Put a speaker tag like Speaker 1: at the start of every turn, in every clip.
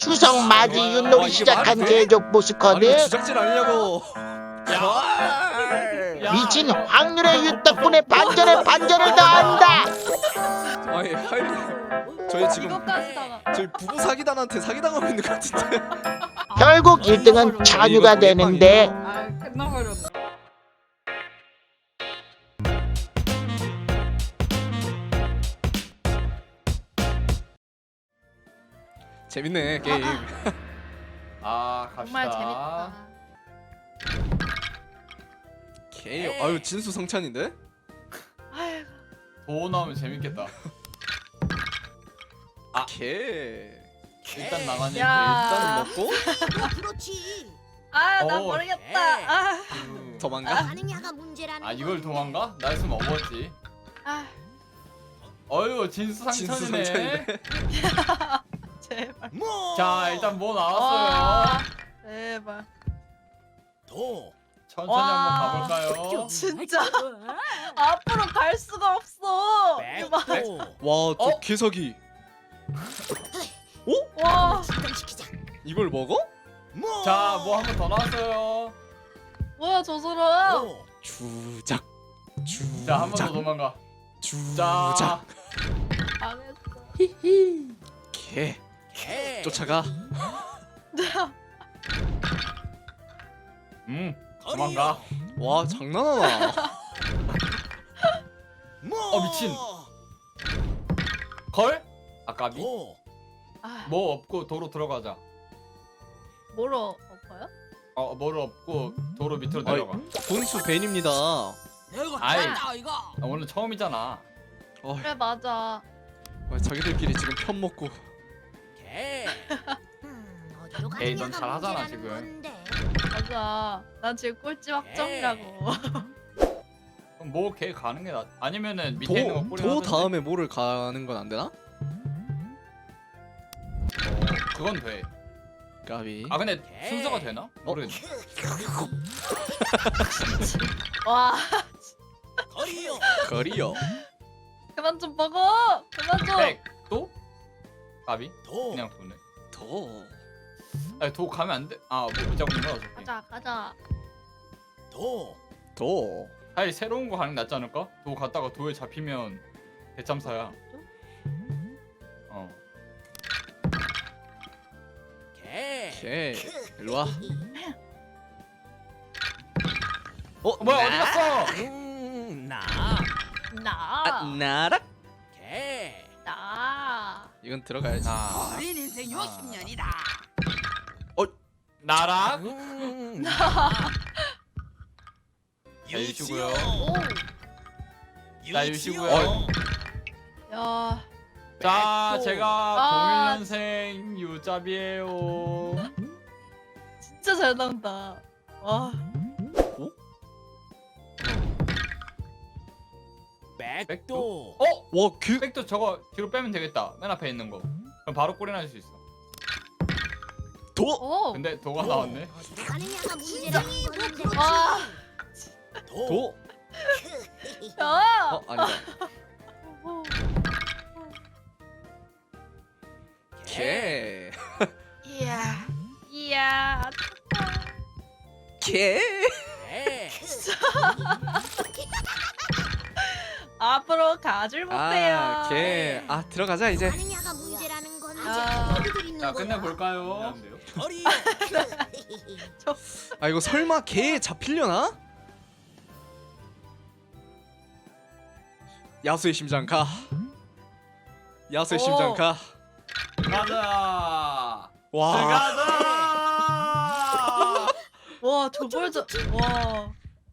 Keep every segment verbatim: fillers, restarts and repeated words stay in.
Speaker 1: 추석 맞이 윷놀이 시작한 개족 보스커드.
Speaker 2: 주작질 아니냐고.
Speaker 1: 미친 확률의 윷 덕분에 반전에 반전을 더한다.
Speaker 2: 아니 하이 저희 지금
Speaker 3: 이것까지 다가.
Speaker 2: 저희 부부 사기단한테 사기당하고 있는 것 같은데.
Speaker 1: 결국 일 등은 찬유가 되는데
Speaker 3: 아 끝나버렸네.
Speaker 2: 재밌네 게임.
Speaker 4: 아 갑시다.
Speaker 3: 정말 재밌다.
Speaker 2: 게임. 아유 진수 성찬인데?
Speaker 3: 아이고.
Speaker 4: 도 나오면 재밌겠다. 아
Speaker 2: 개.
Speaker 4: 일단 나가니
Speaker 3: 야.
Speaker 2: 일단 먹고
Speaker 5: 그렇지.
Speaker 3: 아 나
Speaker 4: 어.
Speaker 3: 모르겠다. 아.
Speaker 2: 도망가.
Speaker 5: 반응야가 문제라는
Speaker 4: 아 이걸 도망가? 나였으면 먹었지.
Speaker 3: 아
Speaker 4: 어휴 진수
Speaker 2: 진수
Speaker 4: 상천이네.
Speaker 2: 성찬이네.
Speaker 3: 제발.
Speaker 4: 자 일단 뭐
Speaker 3: 와.
Speaker 4: 나왔어요.
Speaker 3: 제발.
Speaker 5: 도.
Speaker 4: 천천히
Speaker 3: 와.
Speaker 4: 한번 가볼까요?
Speaker 3: 진짜 앞으로 갈 수가 없어. 이봐.
Speaker 2: 와저
Speaker 4: 어?
Speaker 2: 개석이.
Speaker 3: 와.
Speaker 5: 시키자.
Speaker 2: 이걸 먹어?
Speaker 4: 자 뭐 한 번 더 나왔어요.
Speaker 3: 뭐야 저 사람.
Speaker 2: 주작. 주작.
Speaker 4: 자 한 번 더 도망가. 자.
Speaker 2: 주작.
Speaker 3: 망했어.
Speaker 2: 개. 쫓아가.
Speaker 4: 음 도망가.
Speaker 2: 와 장난하나.
Speaker 4: 어 미친. 걸? 아까비?
Speaker 3: 아
Speaker 4: 뭐 없고 도로 들어가자.
Speaker 3: 뭐로 엎어요?
Speaker 4: 어 뭐를 없고 도로 밑으로
Speaker 2: 아이,
Speaker 4: 내려가.
Speaker 2: 본수 벤입니다.
Speaker 4: 아이.
Speaker 5: 이거.
Speaker 4: 아, 오늘 처음이잖아.
Speaker 2: 어,
Speaker 3: 그래 맞아.
Speaker 2: 아, 자기들끼리 지금 편 먹고.
Speaker 5: 개. 음, 어디로
Speaker 4: 에이, 넌
Speaker 5: 가느냐가
Speaker 4: 잘하잖아,
Speaker 5: 문제라는
Speaker 4: 지금.
Speaker 5: 건데.
Speaker 3: 맞아. 난 지금 꼴찌 확정이라고.
Speaker 4: 그럼 뭐 걔 가는 게 나. 아니면은 밑에 있는 거
Speaker 2: 도,
Speaker 4: 뿌리.
Speaker 2: 도 다음에 뭐를 가는 건 안 되나?
Speaker 4: 그건 돼.
Speaker 2: 까비.
Speaker 4: 아 근데 순서가 되나? 모르겠네.
Speaker 3: 와
Speaker 5: 거리요.
Speaker 2: 거리요.
Speaker 3: 그만 좀 먹어. 그만 좀.
Speaker 4: 백 도? 가비?
Speaker 5: 도.
Speaker 4: 그냥 도네.
Speaker 2: 도.
Speaker 4: 아니 도 가면 안 돼. 아뭐 붙잡는 거야 어차피.
Speaker 3: 가자 가자.
Speaker 5: 도.
Speaker 2: 도.
Speaker 4: 아니 새로운 거 가는 게 낫지 않을까? 도 갔다가 도에 잡히면 대참사야. 어.
Speaker 5: 개.
Speaker 2: 개. 일로 와. 어
Speaker 4: 어, 뭐야 어디 갔어?
Speaker 5: 음, 나.
Speaker 3: 나.
Speaker 2: 아, 나락.
Speaker 5: 개.
Speaker 3: 나.
Speaker 2: 이건 들어가야지.
Speaker 4: 아
Speaker 5: 어린 인생 육십 년이다.
Speaker 4: 나락.
Speaker 5: 음,
Speaker 4: 자, 유시고요.
Speaker 3: 오.
Speaker 4: 자 유시고요.
Speaker 2: 어.
Speaker 3: 야.
Speaker 4: 자
Speaker 3: 백도.
Speaker 4: 제가
Speaker 3: 아.
Speaker 4: 공일 년생 유잡이에요.
Speaker 3: 진짜 잘 나온다. 와.
Speaker 5: 백도.
Speaker 4: 어?
Speaker 2: 와 개.
Speaker 4: 백도 저거 뒤로 빼면 되겠다. 맨 앞에 있는 거. 그럼 바로 골이 날 수 있어.
Speaker 2: 도.
Speaker 3: 오.
Speaker 4: 근데 도가 나왔네.
Speaker 5: 어디로 가느냐가 문제라는 건데.
Speaker 3: 와.
Speaker 2: 도.
Speaker 3: 야.
Speaker 2: 어 아니다.
Speaker 3: 오.
Speaker 2: 개.
Speaker 3: 이야. 이야.
Speaker 2: 개.
Speaker 5: 개.
Speaker 3: 앞으로 가질 못해요.
Speaker 2: 아 개. 아 들어가자 이제.
Speaker 5: 가느냐가 문제라는 건데.
Speaker 3: 아.
Speaker 5: 어디들 있는
Speaker 4: 자
Speaker 5: 거야?
Speaker 4: 끝내 볼까요?
Speaker 5: 거리요.
Speaker 2: 아 이거 설마 개 잡히려나? 야수의 심장 가. 야수의
Speaker 3: 오.
Speaker 2: 심장 가.
Speaker 4: 가자.
Speaker 2: 와.
Speaker 4: 가자.
Speaker 3: 와 저걸 저. 와.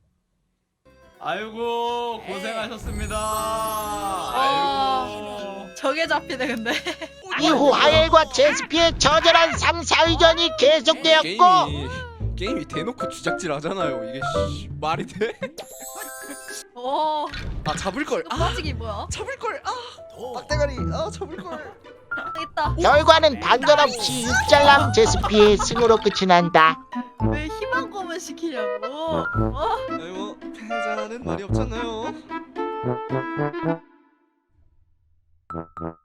Speaker 4: 아이고 고생하셨습니다.
Speaker 3: 아.
Speaker 4: 아이고.
Speaker 3: 저게 잡히네 근데.
Speaker 1: 이후 하엘과 제스피의 처절한 삼, 사위전이 계속되었고
Speaker 2: 게임이 게임이 대놓고 주작질 하잖아요. 이게 씨, 말이 돼?
Speaker 3: 오.
Speaker 2: 아 잡을 걸.
Speaker 3: 이거
Speaker 2: 아
Speaker 3: 빠지기 뭐야?
Speaker 2: 잡을 걸. 아
Speaker 5: 도.
Speaker 2: 빡대가리. 아 잡을 걸.
Speaker 3: 있다.
Speaker 1: 결과는 반전 없이 육잘남 제스피의 승으로 끝이 난다.
Speaker 3: 왜 희망 고문 시키냐고. 어?
Speaker 2: 아이고 패자는 말이 없잖아요.